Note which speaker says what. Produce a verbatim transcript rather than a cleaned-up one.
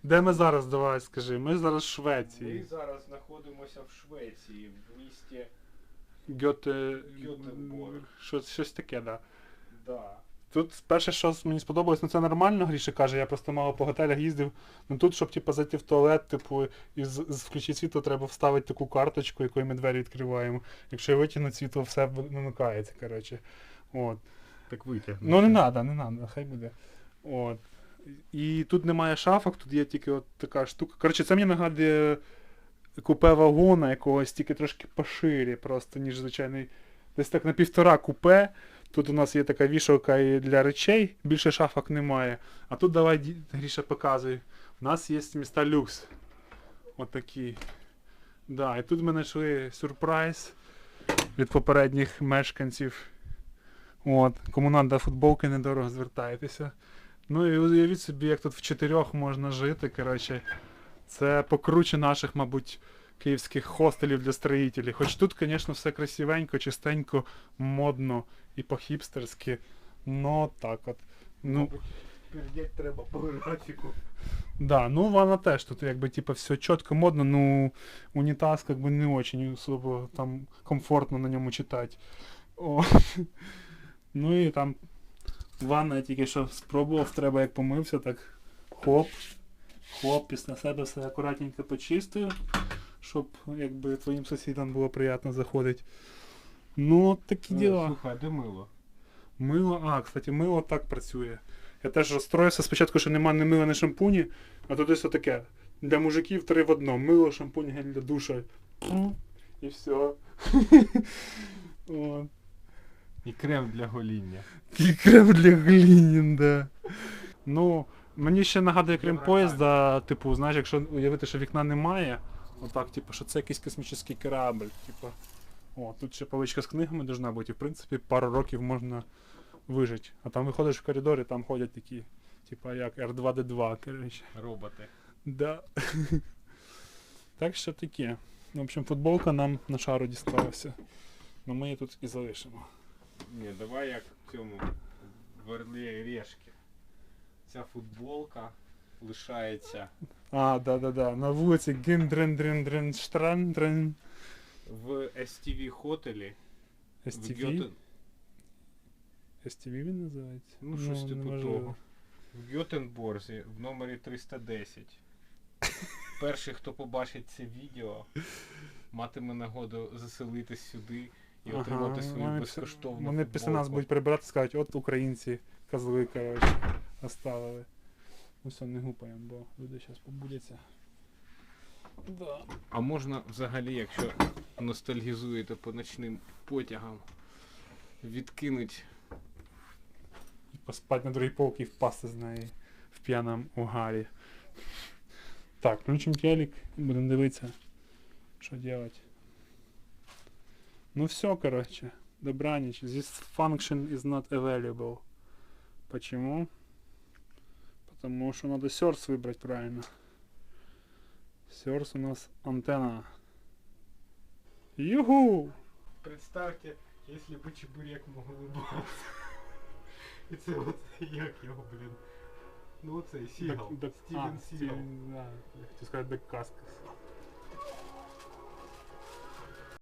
Speaker 1: Де ми зараз, давай скажи? Ми зараз в Швеції.
Speaker 2: Ми зараз знаходимося в Швеції, в місті
Speaker 1: Гьоте...
Speaker 2: Гьотенборг.
Speaker 1: Щось, щось таке, так. Да.
Speaker 2: Да.
Speaker 1: Тут перше, що мені сподобалось, ну це нормально, Гріша каже, я просто мало по готелях їздив. Ну тут, щоб типу, зайти в туалет, типу, і з, з включити світло, треба вставити таку карточку, якою ми двері відкриваємо. Якщо витягнути світло, все вимикається, коротше. От.
Speaker 2: Так витягнути.
Speaker 1: Ну не треба, не треба, хай буде. От. І тут немає шафок, тут є тільки от така штука. Коротше, це мені нагадує купе вагона якогось, тільки трошки поширі просто, ніж звичайний. Десь так на півтора купе. Тут у нас є така вішалка і для речей, більше шафок немає. А тут давай, Гріша, показуй. У нас є міста люкс. Отакі. Да, і тут ми знайшли сюрприз від попередніх мешканців. От. Кому надо футболки, недорого звертайтеся. Ну і уявіть собі, як тут в чотирьох можна жити, коротше. Це покруче наших, мабуть, київських хостелів для строїтелів. Хоч тут, звісно, все красивенько, чистенько, модно і по-хіпстерськи. Ну, так от. Ну,
Speaker 2: Передять треба по графіку.
Speaker 1: да, ну вона теж тут якби типа все чітко, модно, ну унітаз как бы не очень особо там комфортно на ньому читати. О. Ну і там ванна я тільки що спробував, треба як помився, так хоп, хоп, після себе все акуратненько почистив, щоб якби твоїм сусідам було приємно заходити. Ну, такі діла.
Speaker 2: Слухай, де мило?
Speaker 1: Мило, а, кстати, мило так працює. Я теж розстроївся спочатку, що нема ні мила, ні шампуні, а тут ось таке. Для мужиків три в одному. Мило, шампунь, гель для душа. І все. От.
Speaker 2: І крем для гоління.
Speaker 1: І крем для глінін, да. Ну, мені ще нагадує крем поїзда, типу, знаєш, якщо уявити, що вікна немає, отак, типу, що це якийсь космічний корабль, типу. О, тут ще поличка з книгами должна бути, і в принципі пару років можна вижити. А там виходиш в коридор і там ходять такі, типа як Р два Д два, коротше.
Speaker 2: Роботи.
Speaker 1: Да. Так що таке. В общем, футболка нам на шару дісталася. Ну ми її тут і залишимо.
Speaker 2: Ні, давай як в цьому в Орлі Решки. Ця футболка лишається
Speaker 1: А, да-да-да. На вулиці Гіндрен-дрен-дрен-штран-дрен.
Speaker 2: в Ес Ті Ві хотелі.
Speaker 1: Ес Ті
Speaker 2: в
Speaker 1: Ві?
Speaker 2: Гьотен...
Speaker 1: Ес Ті Ві він називається?
Speaker 2: Ну, щось типу
Speaker 1: неважливо.
Speaker 2: того. В Гьотенборзі в номері триста десять. Перший, хто побачить це відео, матиме нагоду заселитись сюди і
Speaker 1: Ага,
Speaker 2: отримати свою
Speaker 1: вони
Speaker 2: безкоштовну
Speaker 1: після- Вони після нас
Speaker 2: футболку.
Speaker 1: будуть прибирати і скажуть, от українці, козли, коротше, оставили. Ну все, не гупаємо, бо люди зараз побудяться. Да.
Speaker 2: А можна взагалі, якщо ностальгізуєте по ночним потягам, відкинуть
Speaker 1: І поспати на другій полці і впасти з неї в п'яному угарі. Так, включимо телек і будемо дивитися, що робити. Ну все, короче, добраніч. This function is not available. Почему? Потому что надо source выбрать правильно. Source у нас антенна. Юху!
Speaker 2: Представьте, если бы чебурек мог улыбаться. І це от, як його, блін. Ну оцей Сігал.
Speaker 1: Дак- дак-
Speaker 2: Стівен
Speaker 1: а,
Speaker 2: Сігал.
Speaker 1: Стівен, да. Я хотів сказати Дак Каскас.